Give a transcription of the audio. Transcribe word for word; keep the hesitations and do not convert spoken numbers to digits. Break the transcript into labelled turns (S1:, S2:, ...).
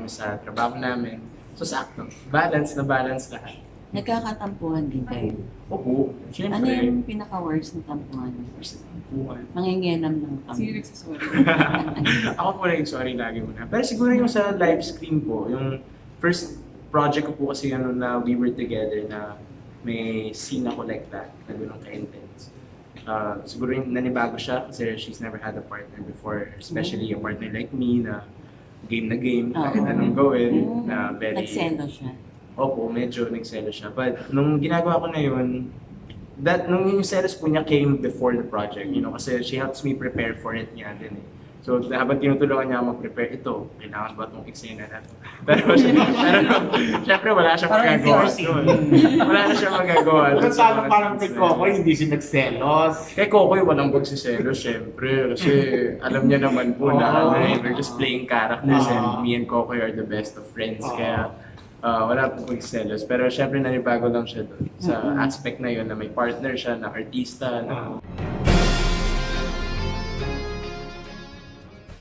S1: kami sa trabaho namin. So sakto, balance na balance lahat.
S2: Nagkakatampuhan din kayo.
S1: Opo,
S2: Ano
S1: syempre.
S2: yung pinaka-worst na tampuhan?
S1: Tampuhan.
S2: Mangingialam ng kami.
S3: Sino nagsasorry?
S1: Ako po naging sorry lagi muna. Pero siguro yung sa live stream po, yung first project ko po kasi ano na we were together na may scene ako like that, na gano'ng ka-intense. Uh, siguro yung nanibago siya kasi she's never had a partner before, especially a partner like me na game na game, kahit
S2: Oo.
S1: anong gawin,
S2: Mm.
S1: na very...
S2: Nagselo siya.
S1: Opo, medyo nagselo siya. But nung ginagawa ko na yun, that, nung yung selos po niya came before the project, you know, kasi she helps me prepare for it niya din eh. So habang tinutulungan niya ako mag-prepare, ito, kailangan ba itong eksena na ito? Pero, pero syempre wala siyang
S4: Parang
S1: magagawa
S4: endorsing.
S1: doon. Wala na siyang magagawa doon.
S4: Pero
S1: sa
S4: paano
S1: mga
S4: parang kay
S1: scenes na yun.
S4: Coco, hindi siya nagselos.
S1: Kay Kokoy, walang pagsiselos, syempre. Kasi alam niya naman po na
S4: Oo.
S1: ano, eh, we're just playing characters
S4: Oo.
S1: and me and Kokoy are the best of friends.
S4: Oo.
S1: Kaya uh, wala po pagsiselos. Pero syempre nanibago lang siya doon sa
S2: Mm-mm.
S1: aspect na yun na may partner siya, na artista, na